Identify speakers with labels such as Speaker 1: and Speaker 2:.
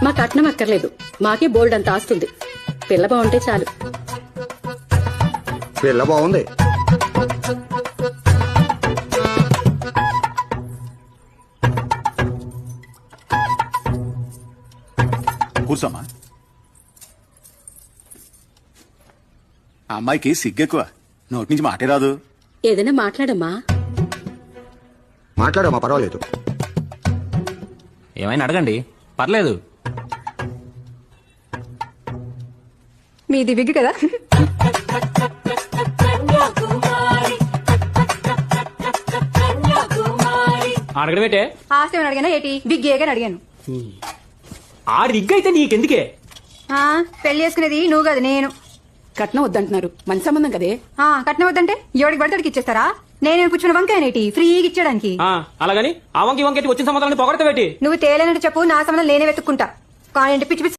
Speaker 1: మా కట్నం అక్కర్లేదు, మాకే బోల్డ్ అంత ఆస్తుంది. పిల్ల బాగుంటే చాలు.
Speaker 2: పిల్ల బాగుంది.
Speaker 3: కూర్చోమ్మా. ఆ అమ్మాయికి సిగ్గెక్కువ, నోటి నుంచి మాటే రాదు.
Speaker 1: ఏదైనా మాట్లాడమ్మా.
Speaker 2: మాట్లాడమ్మా, పర్వాలేదు.
Speaker 4: ఏమైనా అడగండి, పర్లేదు.
Speaker 5: మీది విగ్గు కదా?
Speaker 6: అడగడం ఏంటే?
Speaker 5: ఆస్తి ఏమని అడిగానా ఏటి? విగ్గేగా అడిగాను.
Speaker 6: ఆ రిగ్ అయితే నీకెందుకే?
Speaker 5: పెళ్లి చేసుకునేది నువ్వు కాదు, నేను.
Speaker 1: కట్నం వద్దంటున్నారు, మంచి సంబంధం కదే.
Speaker 5: కట్నం వద్దంటే ఎవడికి పడితే ఇచ్చేస్తారా? నేనేమి పుచ్చున్న వంకాయనేటి ఫ్రీగా ఇచ్చేయడానికి?
Speaker 6: అలాగని ఆ వంకి వంకెట్టి వచ్చిన సంబంధాన్ని పొగడతావేటి?
Speaker 5: నువ్వు తేలేనట్టు చెప్పు, నా సంబంధం నేనే వెతుక్కుంటా. కానీ పిచ్చి పిచ్చి